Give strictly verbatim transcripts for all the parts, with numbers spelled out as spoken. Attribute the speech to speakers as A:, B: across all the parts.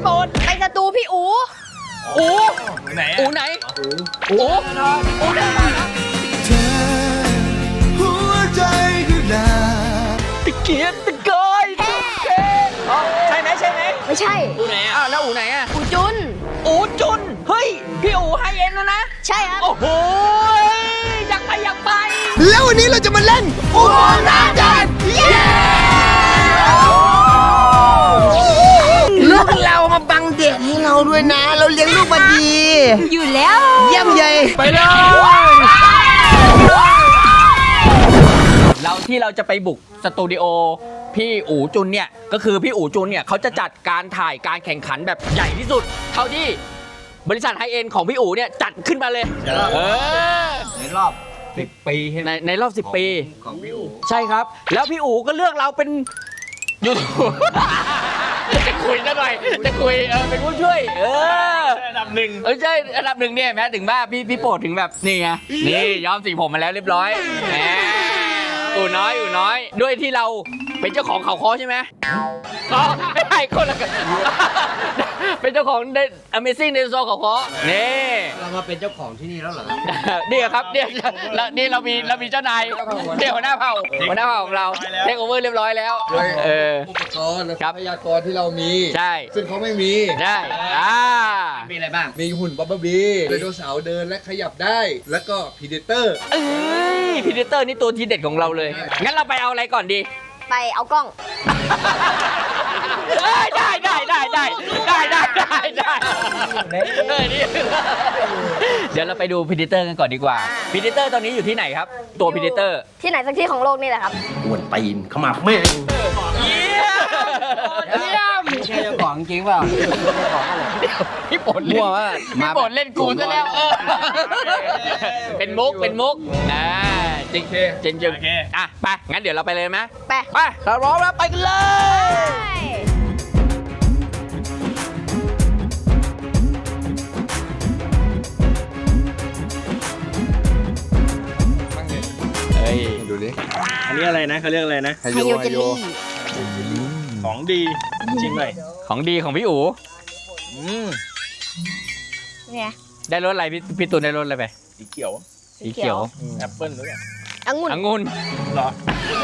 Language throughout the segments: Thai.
A: โปรดไปสตูพี่อูอูไหนอูไหนอูอูอูไหน
B: เธอหัวใจคือดา
A: ตะเกียบตะกอยตะเกใช่ไหมใช่ไหม
C: ไม่ใช่
A: อูไหนอ่ะแล้วอูไหนอ่ะ
C: อูจุน
A: อูจุนเฮ้ยพี่อูไฮเอ็นนะนะ
C: ใช่ครับ
A: โอ้โหอยากไปอยากไป
B: แล้ววันนี้เราจะมาเล่นอุโมงค์น้ำจันทร์เย้ลูกเรามาบังเด็กให้เราด้วยนะเราเลี้ยงลูกมาดี
C: อยู่แล้ว
B: เยี่ยมใหญ่
A: ไปเลยเราที่เราจะไปบุกสตูดิโอพี่อู๋จุนเนี่ยก็คือพี่อู๋จุนเนี่ยเขาจะจัดการถ่ายการแข่งขันแบบใหญ่ที่สุดเท่าที่บริษัทไฮเอ็นของพี่อู๋เนี่ยจัดขึ้นมาเลยเออ
D: ในรอบสิบปี
A: ในในรอบสิบปี
D: ของพี่อู๋
A: ใช่ครับแล้วพี่อู๋ก็เลือกเราเป็นยูทูบจะคุยซะหน่อยจะคุยเออเป็นผู้ช่วยเออ
D: อันดับหนึ่ง
A: เออใช่อันดับหนึ่งเนี่ยแม้ถึงว่าพี่พี่โปรดถึงแบบนี่ไงนี่ย้อมสีผมมาแล้วเรียบร้อยแหมอู๋น้อยอู๋น้อยด้วยที่เราเป็นเจ้าของเขาค้อใช่ไหมอ๋อไม่ใช่คนละกันเป็นเจ้าของ Amazing Dinosaur เขาค้อนี่
D: เรามาเป็นเจ้าของที่นี่แล้วเหรอ
A: นี่ครับเนี่ยนี่เรามีเรามีเจ้านายเดี๋ยวหัวหน้าเผ่าหัวหน้าเผ่าของเราเทคโอเวอร์เรียบร้อยแล้วเออ
D: อุปกรณ์และทรัพยากรที่เรามี
A: ใช่
D: ซึ่งเขาไม่มี
A: ใช่อ่า
D: มีอะไรบ้างมีหุ่นบับเบิ้ลบีไดโนเสาร์เดินและขยับได้แล้วก็พีเดเตอร์
A: เอ้ยพีเดเตอร์นี่ตัวทีเด็ดของเราเลยงั้นเราไปเอาอะไรก่อนดี
C: ไปเอากล้อง
A: ได้ได้ได้ได้ได้ได้ได้ได้ได้เดี๋ยวเราไปดูพีเดเตอร์กันก่อนดีกว่าพีเดเตอร์ตอนนี้อยู่ที่ไหนครับตัวพีเดเตอร์
C: ที่ไหนสักที่ของโลกนี่แหละครับ
B: ปวดตีนขมับแม่
A: เยี่ยมเยี่ยม
D: ไม่ใช่เจ้าของจริงเปล่า
A: พี่ปนเล่นพี่ปนเล่นกูซะแล้วเป็นมุกเป็นมุกอ่าจริงจริงจริงอ่ะไปงั้นเดี๋ยวเราไปเลยไหม
C: ไป
A: ไปเราพร้อมแล้วไปกันเลย
D: ดูดิ
E: อันนี้อะไรนะเขาเรียกอะไรนะ
C: ไฮโยเจลลี่
E: ของดีจริงเลย
A: ของดีของพี่อู๋
C: เนี่ย
A: ได้รสอะไรพี่พี่ตูนได้รสอะไรไป
E: สีเขียว
A: สีเขียว
E: แอปเปิ้ลหรือเปล่า
C: องุ่น
A: องุ่น
E: หรอ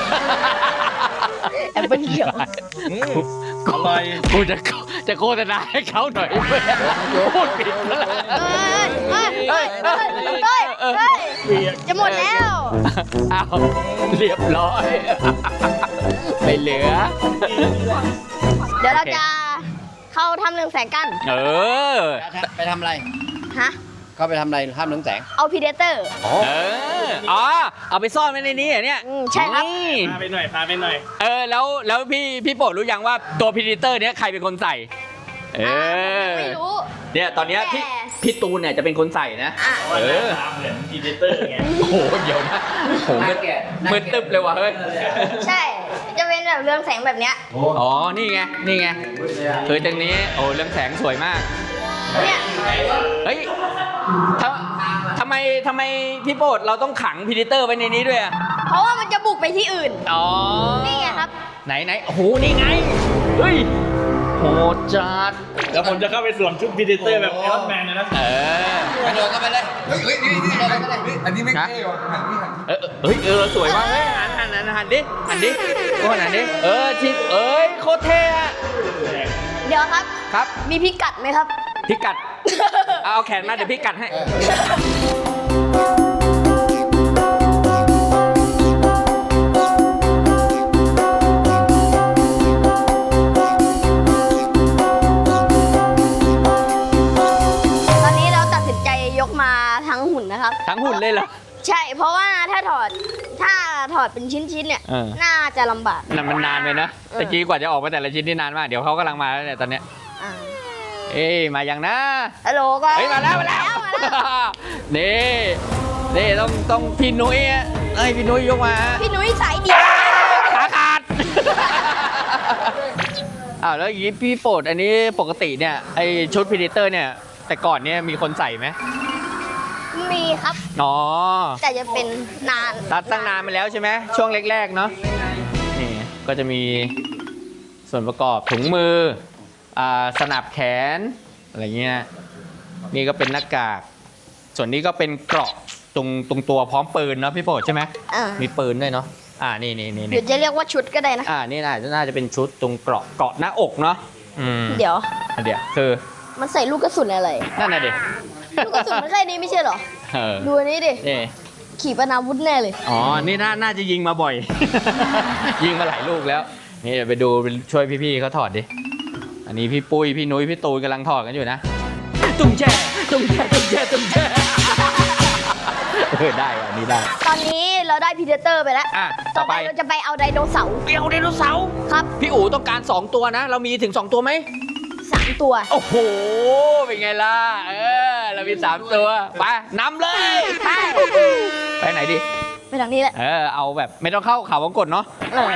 C: แอปเปิ้ลเขียว
E: อร่อย
A: กูจะจะโฆษณาให้เขาหน่อยพูดผิดแล้ว
C: เฮ้ยเฮ้ยเฮ้ยเฮ้ยจะหมดแล้ว
A: อ้าวเรียบร้อยไม่เหลือ
C: เดี๋ยวเราจะเข้าทำเรืองแสงกัน
A: เออ
D: ไปทำอะไร
C: ฮะ
D: เข้าไปทำอะไรทำเรืองแสง
C: เอาพีเดเตอร์
A: เอออ๋อเอาไปซ่อนไว้ในนี้เหรอเนี่ย
C: ใช่ครับ
E: พาไปหน่อยพาไปหน่อย
A: เออแล้วแล้วพี่พี่โปรดรู้ยังว่าตัวพีเดเตอร์เนี้ยใครเป็นคนใส่เออ
C: ไม่รู้
A: เนี่ยตอนเนี้ยพี่พี่ตูนเนี่ยจะเป็นคนใส่นะ
E: เออเหมือนพีเดเตอร์ไง
A: โอ้โหเดี๋ยวนะโหมืดตึ๊บเลยว่ะเฮ้ย
C: ใช่จะเป็นแบบเรืองแสงแบบเนี้ย
A: อ๋อนี่ไงนี่ไงคือตรงนี้โอ้เรืองแสงสวยมาก
C: เนี่ย
A: เฮ้ยทำไมทำไมพี่โปรดเราต้องขังพีเดเตอร์ไว้ในนี้ด้วยอ่ะ
C: เพราะว่ามันจะบุกไปที่อื่น
A: อ๋อ
C: นี่ไงครับ
A: ไหนไหนโอ้โหนี่ไงเฮ้ยโหจัด
E: แล้วผมจะเข้าไปสวมชุดพีเดเตอร์แบบไอรอนแมนนะ
A: เออก
D: ระโดดเข้าไปเลย
B: เฮ้ยนี่นี่อันนี้ไม่เท่หรอหันนี่หัน
A: เออเฮ้ยเออสวยมากเฮ้ยหันหันหันหันดิหันดิก็หันดิเออชิเอ้ยโคตรเท่อะ
C: เดี๋ยวครับ
A: ครับ
C: มีพิกัดไหมครับ
A: พิกัดเอาแขนมาเดี๋ยวพิกัดให้
C: ตอนนี้เราตัดสินใจยกมาทั้งหุ่นนะครับ
A: ทั้งหุ่นเลยเหรอ
C: ใช่เพราะว่าถ้าถอดถ้าถอดเป็นชิ้นๆเนี่ยน่าจะลำบาก
A: นั่นมันนานไปนะตะกี้กว่าจะออกมาแต่ละชิ้นนี่นานมากเดี๋ยวเขากำลังมาแล้วเนี่ยตอนเนี้ยเอ้ยมาอย่างนะ
C: ฮัลโหลก็
A: เฮ้ยมาแล้วมาแล้วนี่นี่ต้องต้องพี่นุ้ยเอ้ยพี่นุ้ยยกมา
C: พี่นุ้ยสายเดียว
A: ขาขาดอ้าวแล้วอย่างนี้พี่โปรดอันนี้ปกติเนี่ยไอชุดพีเดเตอร์เนี่ยแต่ก่อนเนี่ยมีคนใส่ไหม
C: มีครับ
A: อ๋อ
C: แต่จะเป็นนาน
A: ตัดตั้งนานมาแล้วใช่ไหมช่วงแรกๆเนาะนี่ก็จะมีส่วนประกอบถุงมืออ่าสนับแขนอะไรเงี้ยนี่ก็เป็นหน้ากากส่วนนี้ก็เป็นเกราะตรงตรงตัวพร้อมปืนเนาะพี่โปรดใช่ไหม
C: อ่า
A: มีปืนด้วยเนาะอ่านี่นี่นี่
C: เดี๋ยวจะเรียกว่าชุดก็ได้นะ
A: อ่านี่น่าจะน่าจะเป็นชุดตรงเกราะเกราะหน้าอกเนาะอืม
C: เดี๋ยว
A: เดี๋ยวคือ
C: มันใส่ลูกกระสุนอะไร
A: นั่นน่ะดิ
C: ลูกกระสุนมันแค่นี้ไม่ใช่เหรอ
A: เออ
C: ดูอันนี้ดิ
A: นี่
C: ขี่ปนาวุธแน่เลย
A: อ๋อนี่น่าน่าจะยิงมาบ่อย ยิงมาหลายลูกแล้วนี่เดี๋ยวไปดูช่วยพี่ๆเขาถอดดิอันนี้พี่ปุ้ยพี่นุ้ยพี่ตูนกำลังถอดกันอยู่นะตุ้งแช่ตุ้งแช่ตุ้งแช่ตุ้งแช่เออได้อันนี้ได้
C: ตอนนี้เราได้พีเดเตอร์ไปแล้ว
A: อ่ะ
C: ต่
A: ต่
C: อ
A: อ
C: ไป
A: ไป
C: เราจะไปเอาไดโนเสาร์
A: เปียวไดโนเสาร์
C: ครับ
A: พี่อู๋ต้องการสองตัวนะ เรามีถึงสองตัวไหม
C: สามตัว
A: โอ้โหเป็นไงล่ะเออเรามีสามตัวไปนำเลย
C: ใช่
A: ไปไหนดี
C: ไปทางนี้แหละ
A: เออเอาแบบไม่ต้องเข้าเขาวงกตเนาะ
C: เออ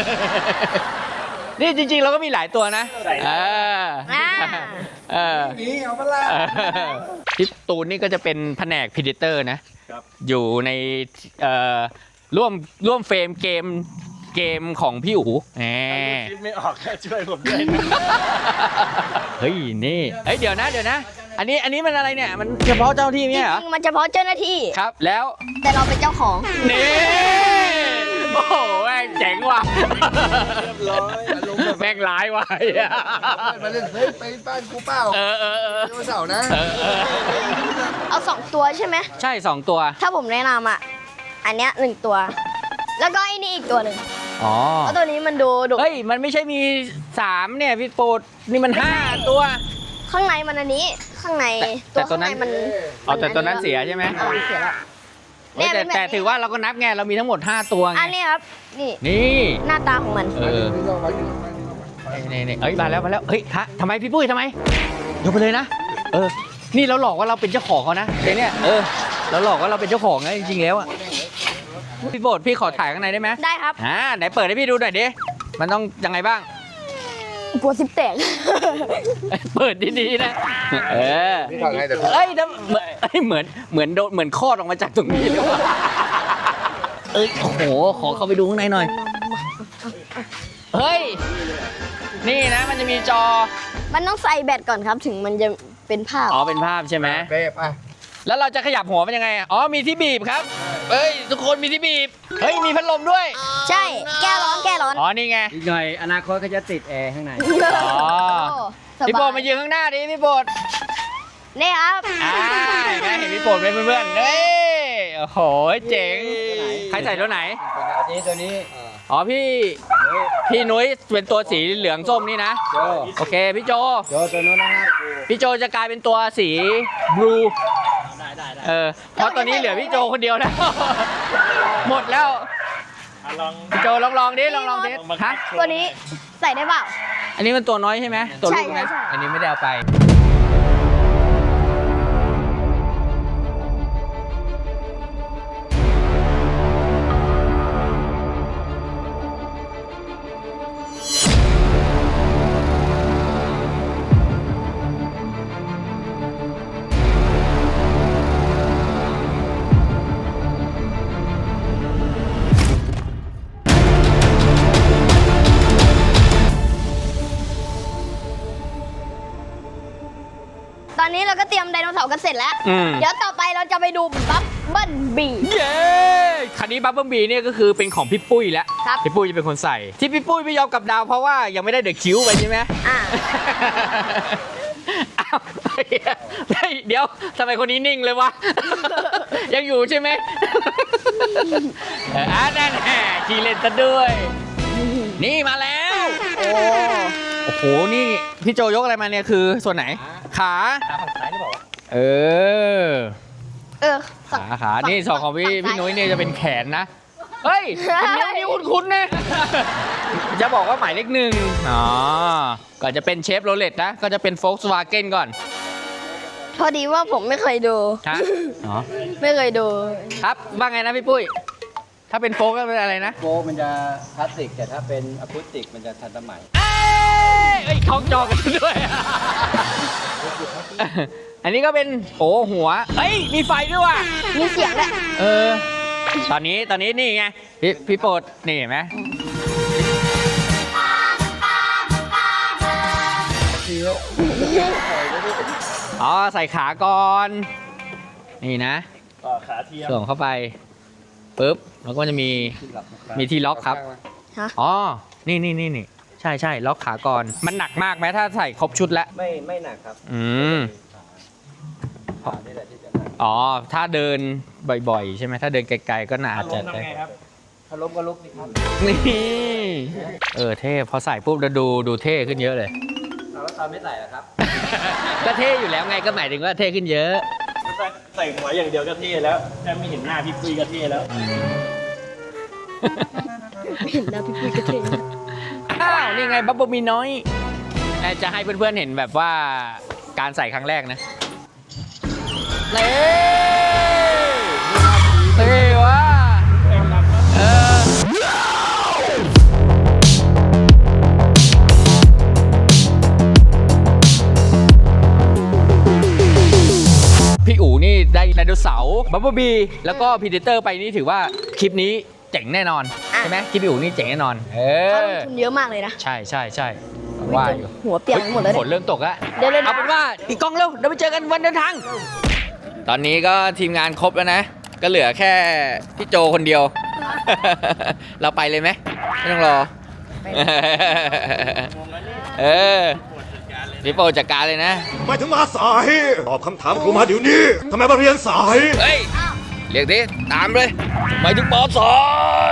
A: นี่จริงๆเราก็มีหลายตัวนะเออ
C: อ่า
A: เออ
D: นี่เอามาละ
A: เออพี่ตูนนี่ก็จะเป็นแผนกพีดิเตอร์นะ
E: ครับ
A: อยู่ในเอ่อร่วมร่วมเฟรมเกมเกมของพี่อู๋แหม
E: คิดไม่ออกแค่ช่วยผมด้วยนะ
A: เฮ้ยนี่เฮ้ยเดี๋ยวนะเดี๋ยวนะ อันนี้อันนี้มันอะไรเนี่ยมันเฉพาะเจ้าที่
C: จ
A: เนี่ยเหรอ
C: ริงๆมันเฉพาะเจ้าหน้าที่
A: ครับแล้ว
C: แต่เราเป็นเจ้าของ
A: นี่โอ้โหแม่งเจ๋งว่ะ
D: เรียบร้อยอารมณ์แบบ
A: แม่งร้ายว่ะ
D: มาเล่นเฮ้ยไปบ้านกูเปล่า
A: เออเออเออ
D: ไดโนเสาร์นะ
A: เออเออ
C: เอาสองตัวใช่ไหม
A: ใช่สองตัว
C: ถ้าผมแนะนำอ่ะ อันเนี้ยหนึ่งตัว แล้วก็ไอ้นี่อีกตัวหนึ่ง
A: อ๋อ
C: เพราะตัวนี้มันดูดุ
A: เฮ้ยมันไม่ใช่มีสามเนี่ยพี่โปรดนี่มันห้าตัว
C: ข้างในมันอันนี้ ข้างใน
A: แต่
C: ตัว
A: แต่ตัว
C: ข้าง
A: นั้
C: ใน
A: น
C: มัน
A: อ๋อแต่ตัวนั้นเสียใช่ไหม
C: เออเสียแล้ว
A: เฮ้ยแต่
C: เนี่ยเป็นแบบ
A: แต่ถือว่าเราก็นับไงเรามีทั้งหมดห้าตัวไง
C: อันนี้ครับ นี่
A: นี่
C: หน้าตาของมัน
A: เออ
D: นี่ลองไว้นี่ลองไว้นี่ลองไว้
A: นี่นี่เอ้ยมาแล้วมาแล้วเฮ้ยฮะทำไมพี่ปุ้ยทำไมยกไปเลยนะเออนี่เราหลอกว่าเราเป็นเจ้าของเขานะเดี๋ยวเนี่ยเออเราหลอกว่าเราเป็นเจ้าของนะจริงๆแล้วอะพี่โบดพี่ขอถ่ายข้างในได้ไหม
C: ได้ครับ
A: อ่าไหนเปิดให้พี่ดูหน่อยดิมันต้องยังไงบ้าง
C: กลัวซิปแตก
A: เปิดดีๆนะเออ
D: นี่ถอดไงแต่
A: เอ้ยน้ำเหมือนเอ้ยเหมือนเหมือนโดนเหมือนคลอดออกมาจากตรงนี้เลยว่ะเอ้ยโอ้โหขอเข้าไปดูข้างในหน่อยเฮ้ยนี่นะมันจะมีจอ
C: มันต้องใส่แบตก่อนครับ ถึงมันจะเป็นภาพ
A: อ๋อเป็นภาพใช่ไหม
D: เป๊ะป่ะ
A: แล้วเราจะขยับหัวมันยังไงอ่ะอ๋อมีที่บีบครับเฮ้ยทุกคนมีที่บีบเฮ้ยมีพัดลมด้วย
C: ใช่ แก้ร้อน แก้ร้อน
A: อ๋อนี่ไง
B: อีกหน่อยอนาคตก็จะติดแอร์ข้างใน
A: อ๋อ
C: โอ้ส
A: พี่โปร
C: บา
A: ด
C: ย
A: มายืนข้างหน้าดิพี่โปรด
C: นี่ครับ
A: อ่าเห็นไหมเห็นพี่โปรดเป็นเพื่อนๆเฮ้ยโอ้โหเจ๋งใครใส่ตัวไหน
B: อันนี้ตัวนี้
A: อ๋อพี่พี่นุ้ยเป็นตัวสีเหลืองส้มนี่นะ
B: โจ
A: โอเคพี่โจ
B: โจตัวนู้นนะครับ
A: พี่โจจะกลายเป็นตัวสีบลูเออเพราะตอนนี้เหลือพี่โจคนเดียวแล้ว หมดแล้ว
E: อ่ะลอง
A: พี่โจลองลองดิลองลองดิ
E: ลองมา
A: ฮะ
E: โช
C: ตัวนี้ใส่ได้เปล่า
A: อันนี้มันตัวน้อยใช่ไหมตัวลูก
C: ใช่
A: นะ
C: ใช่
A: อันนี้ไม่ได้เอาไป
C: ตอนนี้เราก็เตรียมไดโนเสาร์กันเสร็จแล้ว
A: อืม
C: เดี๋ยวต่อไปเราจะไปดูบัฟเบิ้ลบี
A: เย้คันนี้บับเบิ้ลบีเนี่ยก็คือเป็นของพี่ปุ้ยแล้ว
C: ครับ
A: พี่ปุ้ยจะเป็นคนใส่ ที่พี่ปุ้ยไม่ยอมกลับดาวเพราะว่ายังไม่ได้เดอะคิวไปใช่ไหม
C: อ่า
A: อ้าวเฮ้ยเดี๋ยวทำไมคนนี้นิ่งเลยวะ ยังอยู่ใช่ไหม เอออ่ะนั่นแหละขี่เล่นซะด้วย นี่มาแล้ว
C: โอ้
A: โอ้โห นี่พี่โจยกอะไรมาเนี่ยคือส่วนไหน ขา
B: ขาฝั่งซ้ายหรือเปล่า
A: เออ
C: เออ
A: ขาขา นี่สองของพี่
C: ฝั่
A: พี่
C: ซ้า
A: นุ้ยเนี่ยจะเป็นแขนนะ เฮ้ยเป็นนิ้วนี่คุ้นๆนะ จะบอกว่าหมายเลขหนึ่งอ๋อ ก็จะเป็นเชฟโรเลตนะ ก็จะเป็นโฟล์กสวาเกนก่อน
C: พอดีว่าผมไม่เคยดู
A: ฮะอ๋อ
C: ไม่เคยดู
A: ครับว่าไงนะพี่ปุ้ย ถ้าเป็นโฟล์กก็เป็นอะไรนะ
B: โฟมันจะคลาสสิกแต่ถ้าเป็นอะคูสติกมันจะทันสมัย
A: เอ้ยเอ้ยคล้องจอกันด้วย อันนี้ก็เป็นโอ้หัว เอ้ย มีไฟด้วยว่ะ
C: มีเสียงด้วย
A: เออ ตอนนี้ตอนนี้นี่ไง พี่พี่โปรดนี่เห็นไหม
D: ทีแล้ว
A: อ๋อใส่ขาก่อนนี่นะ
E: ต่อขาเทียม
A: ส่งเข้าไปปุ๊บแล้วก็จะมีมีที่ล็อกครับ
C: ฮะ
A: อ๋อนี่นี่นี่นี่ใช่ใช่ล็อกขาก่อนมันหนักมากไหมถ้าใส่ครบชุดแล้ว
B: ไม่ไม่หนักครับ
A: อืม
B: ขานี่แหละที่จะหนัก
A: อ๋อถ้าเดินบ่อยๆ ใช่ไหมถ้าเดินไกลๆก็น่า
E: อา
A: จะ
E: รมณ์ทำไงครับ
B: ถ้าล้มก็ลุกนี่ครับ
A: นี่เออเท่พอใส่ปุ๊บแล้วดูดูเท่ขึ้นเยอะเลย
B: เอาแล้วตอนไม่ใส่อะครับ
A: ก็เท่อยู่แล้วไงก็หมายถึงว่าเท่ขึ้นเยอะ
E: ใส่หัวอย่างเดียวก็เท่แล้วแค่ไม่เห็นหน้าพี่ปุ้ยก็เท่แล้ว
C: เห็นแล้วพี่ปุ้ยก็เท่
A: อ้าวนี่ไงบับเบิ้ลมีน้อยเอ่อจะให้เพื่อนๆเห็นแบบว่าการใส่ครั้งแรกนะเท่เท่ว่ะเออพี่อู๋นี่ได้ไดโนเสาร์บับเบิ้ลบีแล้วก็พีเดเตอร์ไปนี่ถือว่าคลิปนี้เจ๋งแน่นอนใช่ไหมคลิปพี่อู๋นี่เจ๋งแน่นอนเอ
C: เขาล
A: อ
C: งทุนเยอะมากเลยนะ
A: ใช่ใช่ใช่ว่าอยู่
C: หัวเปียกหมดแล้ว
A: ฝน
C: เนี่ย
A: เริ่มตกแล้ว
C: เดี๋ยวเลยนะ
A: เอาเป็นว่าอีกกล้องเร็วเดี๋ยวไปเจอกันวันเดินทาง ตอนนี้ก็ทีมงานครบแล้วนะ ก็เหลือแค่พี่โจคนเดียว เราไปเลยไหมไม่ต้องรอ เออพี่โปจัดการเลยนะ
F: ไม่ถึงมาสายตอบคำถามครูมาเดี๋ยวนี้ทำไมมาเรียนสาย
A: เฮ้ย เรียกดิ ตามเลยหมายถึงปอสอย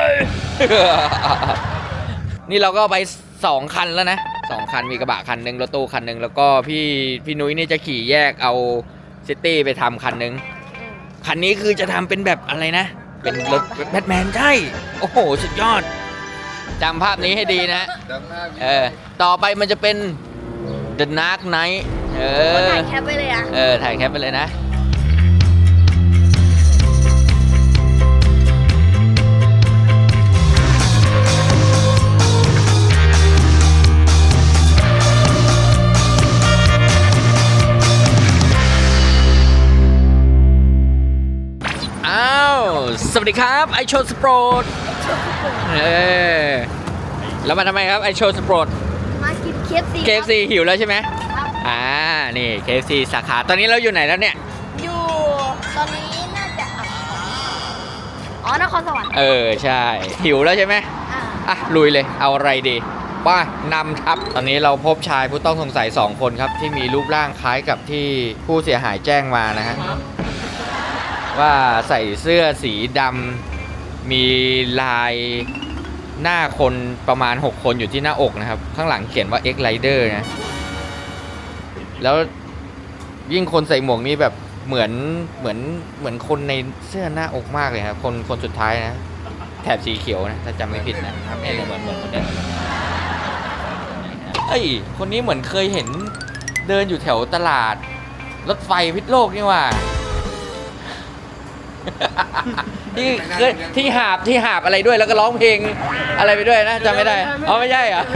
A: นี่เราก็ไปสองคันแล้วนะสองคันมีกระบะคันหนึ่งรถตู้คันหนึ่งแล้วก็พี่พี่นุ้ยนี่จะขี่แยกเอาซิตี้ไปทำคันหนึ่งคันนี้คือจะทำเป็นแบบอะไรนะ เป็นรถแบทแมนใช่ โอ้โห สุดยอดจำภาพนี้ให้ดีนะ
D: ดังหน้า
A: เออ ต่อไปมันจะเป็น The Dark Knight เออ
C: ถ่ายแคปไปเลยอ่ะ
A: เออ ถ่ายแคปไปเลยนะ อ้าว สวัสดีครับไอโชว์สปอร์ตเออแล้วมาทำไมครับไอโชว์สปอร์ต
C: มากินเคฟซี
A: เค เอฟ ซี หิวแล้วใช่ไหมอ่า นี่ เค เอฟ ซี สาขา ตอนนี้เราอยู่ไหนแล้วเนี่ย
C: อยู่ตอนนี้น่าจะอ่ะอ๋อนครสวรรค์
A: เออ ใช่ หิวแล้วใช่ไหม
C: อ่า
A: อ่ะ ลุยเลย เอาอะไรดีป้านำทับ ตอนนี้เราพบชายผู้ต้องสงสัยสองคนครับ ที่มีรูปร่างคล้ายกับที่ผู้เสียหายแจ้งมานะฮะ ว่าใส่เสื้อสีดำมีลายหน้าคนประมาณหกคนอยู่ที่หน้าอกนะครับ ข้างหลังเขียนว่า X Rider นะ แล้วยิ่งคนใส่หมวกนี่แบบเหมือนเหมือนเหมือนคนในเสื้อหน้าอกมากเลยครับคนคนสุดท้ายนะ แถบสีเขียวนะ ถ้าจำไม่ผิดนะเอ้ยเหมือนเหมือนคนเดิมเอ้ย คนนี้เหมือนเคยเห็นเดินอยู่แถวตลาด รถไฟพิษโลกนี่ว่า ที่เคยที่หาบที่หาบอะไรด้วยแล้วก็ร้องเพลงอะไรไปด้วยนะจำไม่ได้อ๋อไม่ใช่เหรอ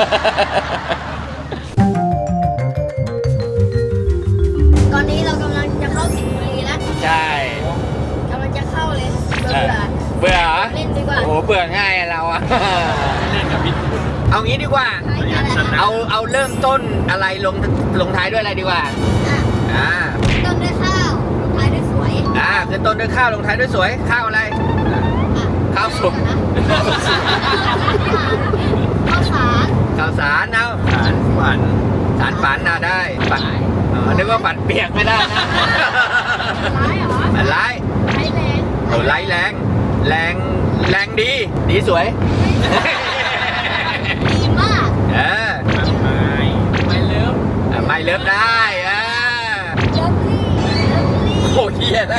C: ตอนนี้เรากำลังจะเข้าสิงห์บุรีแล้ว
A: ใช่
C: กำลังจะเข้าเลยเบื่อ
A: เบื่อเหรอ
C: เล่นดีกว่า
A: โอ้โหเบื่อง่ายอะเราอะ
E: เล่นกับพี่
A: เอางี้ดีกว่า
C: ใช่อะไรนะ
A: เอาเอาเริ่มต้นอะไรลงลงท้ายด้วยอะไรดีกว่า
C: อ่ะ
A: อ่า
C: ต้นด้วยข้าวลงท้ายด้วยสวย
A: อ่าคือต้นด้วยข้าวลงท้ายด้วยสวยข้าวอะไร
C: อ่ะ
A: ข้าวสุก
C: ข้าวสาร
A: ข้าวสารเอา
E: ฐานฝัน
A: สารฝันเอาได้ฝันอ๋อนึกว่าฝันเปียกไม่ได้นะ
C: ร้ายเหรอ
A: ฝันร้าย
C: ร้ายแรง
A: โอ้ไร้แรง แรง แรงดี ดีสวย
C: ดีมาก
A: เออ
E: ไม่ไม่เลิฟ
A: อ่ะไม่เลิฟได้เออ
C: เลิฟลี่เลิฟลี่
A: โอ้เฮียนะ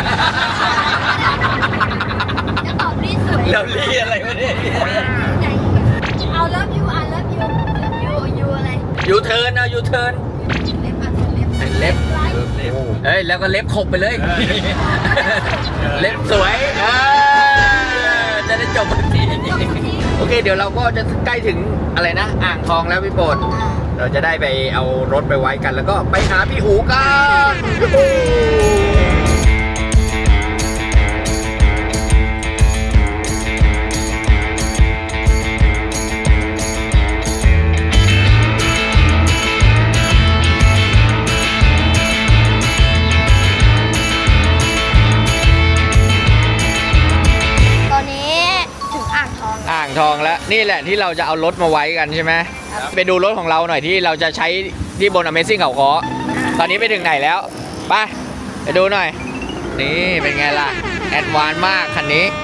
C: จะตอบลี่สวย
A: เลิฟลี่อะไรวะเนี่ย
C: ไหนเอาเลิฟยูอ่ะเลิฟยูเลิฟยูยูอะไร
A: ยูเทิร์นเอายูเทิร์น
C: เล็บอ่ะเล็บ
A: เล็บ
C: ร้าย
A: เอ้ย แล้วก็เล็บขบไปเลย เล็บสวยเออจะได้จบทันที โอเค เดี๋ยวเราก็จะใกล้ถึงอะไรนะ อ่างทองแล้วพี่โปรด
C: อ่า
A: เราจะได้ไปเอารถไปไว้กันแล้วก็ไปหาพี่อู๋กันนี่แหละที่เราจะเอารถมาไว้กันใช่ไหมไปดูรถของเราหน่อยที่เราจะใช้ที่บน Amazing เขาค้อตอนนี้ไปถึงไหนแล้วไปไปดูหน่อยนี่เป็นไงล่ะแอดวานซ์มากคันนี้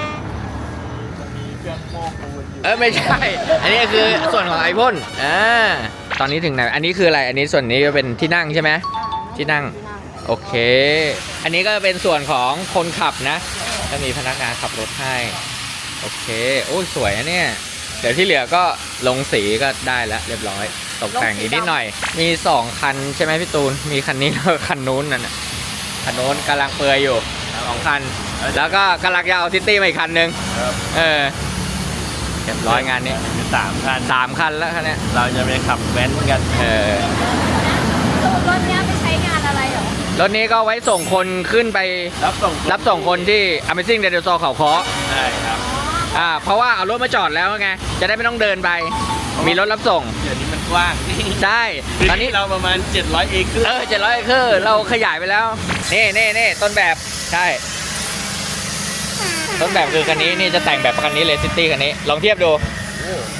A: เออไม่ใช่ อันนี้คือส่วนของไอพ่นอ่าตอนนี้ถึงไหนอันนี้คืออะไรอันนี้ส่วนนี้จะเป็นที่นั่งใช่ไหมที่นั่งโอเคอันนี้ก็เป็นส่วนของคนขับนะจะมีพนักงานขับรถให้โอเคโอ้ยสวยนะเนี่ยเดี๋ยวที่เหลือก็ลงสีก็ได้แล้วเรียบร้อยตกแต่งอีกนิดหน่อยมีสองคันใช่ไหมพี่ตูนมีคันนี้แล้วคันนู้นนั่นน่ะคันนู้นกำลังเปลือยอยู่สองคันแล้วก็กำลังจะเอาซิตี้มาอีกคันนึงเออเรียบร้อยงานนี้
E: สามคัน
A: สามคันแล้วคันเนี้ย
E: เราจะไปขับแว้นกัน
A: เออ
C: รถเนี้ยไปใช้งานอะไรเหรอ
A: รถนี้ก็ไว้ส่งคนขึ้นไป
E: รับส่ง
A: รับส่งคนที่ Amazing Dinosaur เขาค้อ
E: ใช่ครับ
A: อ่าเพราะว่าเอารถมาจอดแล้วไงจะได้ไม่ต้องเดินไปมีรถรับส่ง
E: เดี๋ยวนี้มันกว้าง
A: ใช่ตอนนี้
E: เราประมาณเจ็ดร้อยเอเคอร์
A: เออเจ็ดร้อยคือเราขยายไปแล้วนี่นี่นี่ต้นแบบใช่ต้นแบบคือคันนี้นี่จะแต่งแบบคันนี้เลยซิตี้คันนี้ลองเทียบดู